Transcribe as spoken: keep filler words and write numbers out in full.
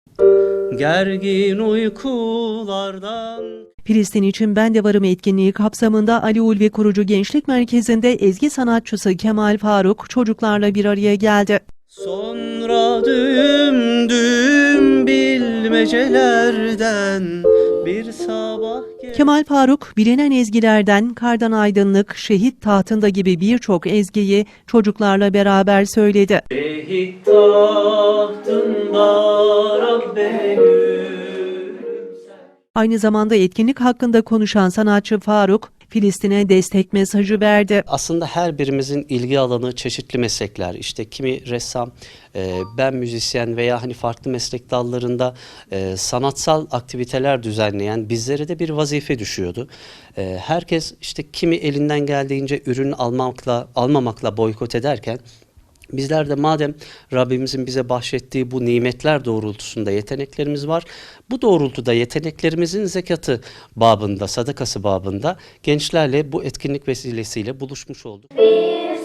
Gergin uykulardan. Filistin için Ben de Varım etkinliği kapsamında Ali Ulvi Kurucu Gençlik Merkezi'nde ezgi sanatçısı Kemal Faruk çocuklarla bir araya geldi. Sonra düm düm bilmecelerden bir sabah gel- Kemal Faruk, bilinen ezgilerden Kardan Aydınlık, Şehit Tahtında gibi birçok ezgiyi çocuklarla beraber söyledi. Şehit tahtında Rabbe gülümser. Aynı zamanda etkinlik hakkında konuşan sanatçı Faruk, Filistin'e destek mesajı verdi. Aslında her birimizin ilgi alanı çeşitli meslekler. İşte kimi ressam, e, ben müzisyen veya hani farklı meslek dallarında e, sanatsal aktiviteler düzenleyen bizlere de bir vazife düşüyordu. E, herkes işte kimi elinden geldiğince ürün almakla almamakla boykot ederken, bizler de madem Rabbimizin bize bahşettiği bu nimetler doğrultusunda yeteneklerimiz var, bu doğrultuda yeteneklerimizin zekatı babında, sadakası babında gençlerle bu etkinlik vesilesiyle buluşmuş olduk. Bir